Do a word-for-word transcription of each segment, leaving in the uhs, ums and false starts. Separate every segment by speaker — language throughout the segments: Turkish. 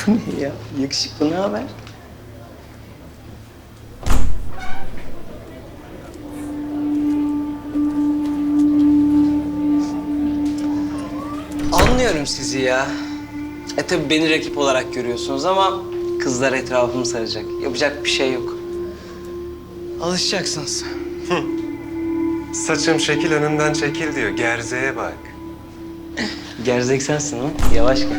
Speaker 1: Bu ne ya? Yakışıklı, ne haber? Anlıyorum sizi ya. E tabii beni rakip olarak görüyorsunuz ama kızlar etrafımı saracak. Yapacak bir şey yok. Alışacaksınız.
Speaker 2: Saçım şekil önümden çekil diyor. Gerzeye bak.
Speaker 1: Gerzek sensin ha. Yavaş gel.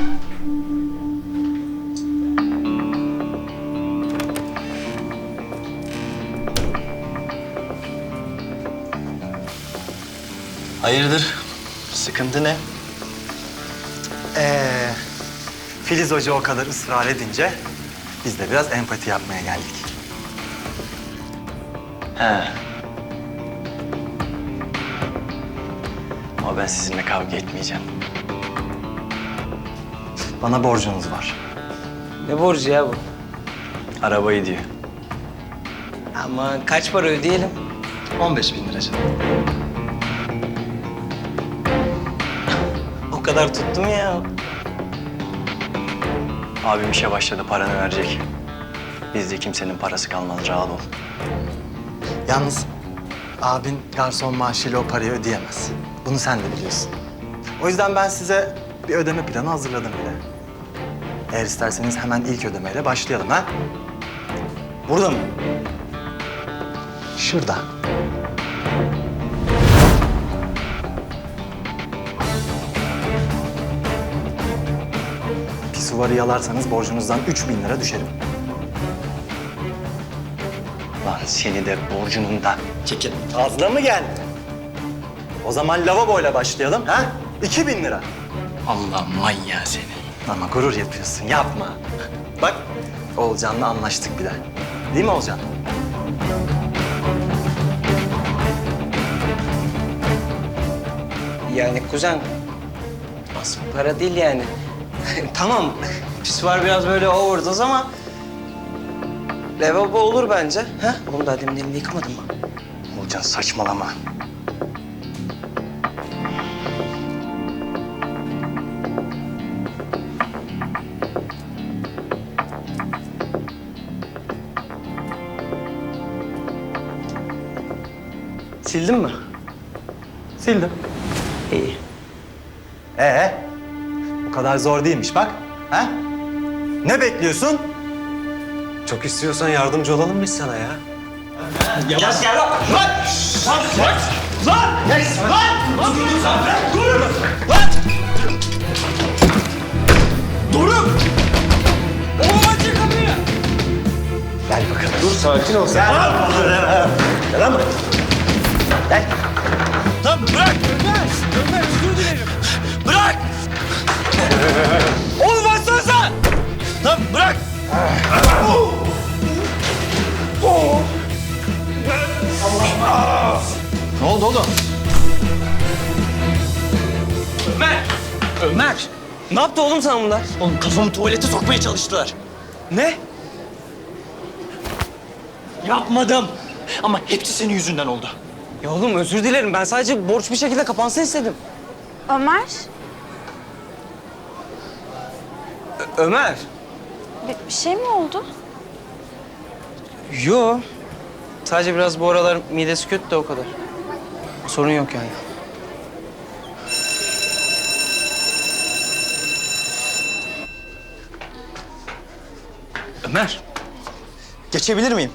Speaker 3: Hayırdır? Sıkıntı ne?
Speaker 4: Ee, Filiz Hoca o kadar ısrar edince biz de biraz empati yapmaya geldik.
Speaker 3: He. Ama ben sizinle kavga etmeyeceğim.
Speaker 4: Bana borcunuz var.
Speaker 1: Ne borcu ya bu?
Speaker 3: Arabayı diyor.
Speaker 1: Ama kaç para ödeyelim?
Speaker 4: on beş bin lira canım.
Speaker 1: O kadar tuttum ya.
Speaker 3: Abim işe başladı, paranı verecek. Bizde kimsenin parası kalmaz, rahat ol.
Speaker 4: Yalnız abin garson maaşıyla o parayı ödeyemez. Bunu sen de biliyorsun. O yüzden ben size bir ödeme planı hazırladım bile. Eğer isterseniz hemen ilk ödemeyle başlayalım ha? Burada mı? Şurada. Pisuvarı yalarsanız borcunuzdan üç bin lira düşerim.
Speaker 3: Lan seni de borcunun da.
Speaker 4: Çekil. Fazla mı geldi? O zaman lavaboyla başlayalım ha? İki bin lira.
Speaker 3: Allah manyağı seni.
Speaker 4: Ama gurur yapıyorsun, yapma. Bak, Olcan'la anlaştık bile. Değil mi Olcan?
Speaker 1: Yani kuzen, az para değil yani. Tamam, pisuar biraz böyle overdose ama lavabo olur bence. Ha? Oğlum daha demin elini yıkamadın mı?
Speaker 3: Olcan saçmalama.
Speaker 1: Sildin mi?
Speaker 4: Sildim.
Speaker 1: İyi.
Speaker 4: Ee, bu kadar zor değilmiş bak. Ha? Ne bekliyorsun?
Speaker 2: Çok istiyorsan yardımcı olalım biz sana ya.
Speaker 4: Gel bakalım.
Speaker 2: Dur sakin ol sen.
Speaker 3: Lan bırak! Ömer! Ömer özür dilerim. Bırak! Oğlum açsana sen! Lan bırak! Ne oldu oğlum?
Speaker 1: Ömer! Ömer! Ne yaptı oğlum sana bunlar?
Speaker 3: Oğlum kafamı tuvalete sokmaya çalıştılar.
Speaker 1: Ne?
Speaker 3: Yapmadım. Ama hepsi senin yüzünden oldu.
Speaker 1: Ya oğlum özür dilerim. Ben sadece borç bir şekilde kapansın istedim.
Speaker 5: Ömer,
Speaker 1: Ö- Ömer!
Speaker 5: bir, bir şey mi oldu?
Speaker 1: Yo. Sadece biraz bu aralar midesi kötü de o kadar. Sorun yok yani.
Speaker 3: Ömer. Geçebilir miyim?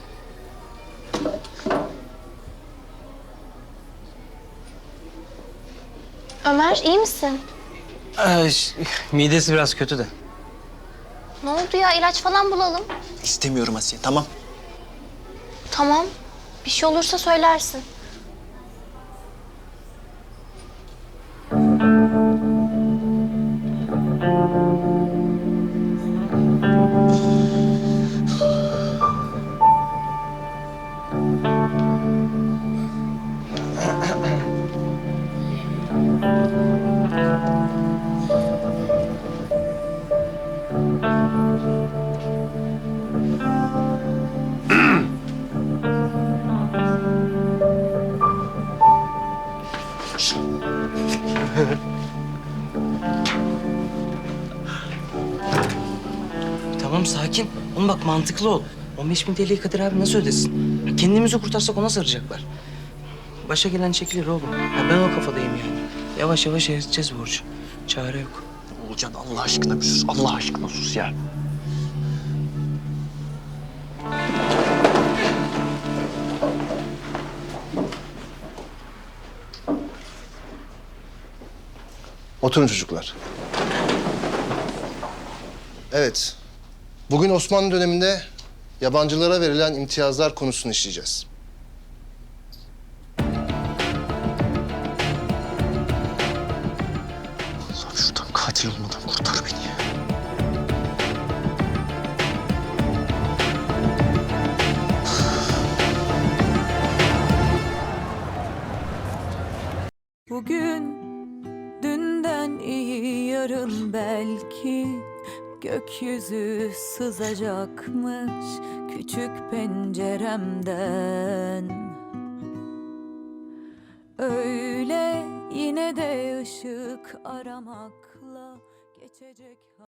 Speaker 5: Ömer, iyi misin?
Speaker 1: Ee, ş- midesi biraz kötü de.
Speaker 5: Ne oldu ya? İlaç falan bulalım.
Speaker 3: İstemiyorum Asiye, tamam.
Speaker 5: Tamam. Bir şey olursa söylersin.
Speaker 1: tamam sakin. Oğlum bak mantıklı ol. on beş bin T L'yi Kadir abi nasıl ödesin? Ya kendimizi kurtarsak ona saracaklar. Başa gelen çekilir oğlum. Ya ben o kafadayım yani. Yavaş yavaş eriteceğiz borcu. Çare yok.
Speaker 3: Olcan Allah aşkına bir sus. Allah aşkına sus ya.
Speaker 6: Oturun çocuklar. Evet. Bugün Osmanlı döneminde yabancılara verilen imtiyazlar konusunu işleyeceğiz.
Speaker 3: Allah'ım şuradan katil olmadan kurtar beni ya.
Speaker 7: Bugün dünden iyi yarın belki gökyüzü sızacakmış küçük penceremden. Öyle yine de ışık aramakla geçecek.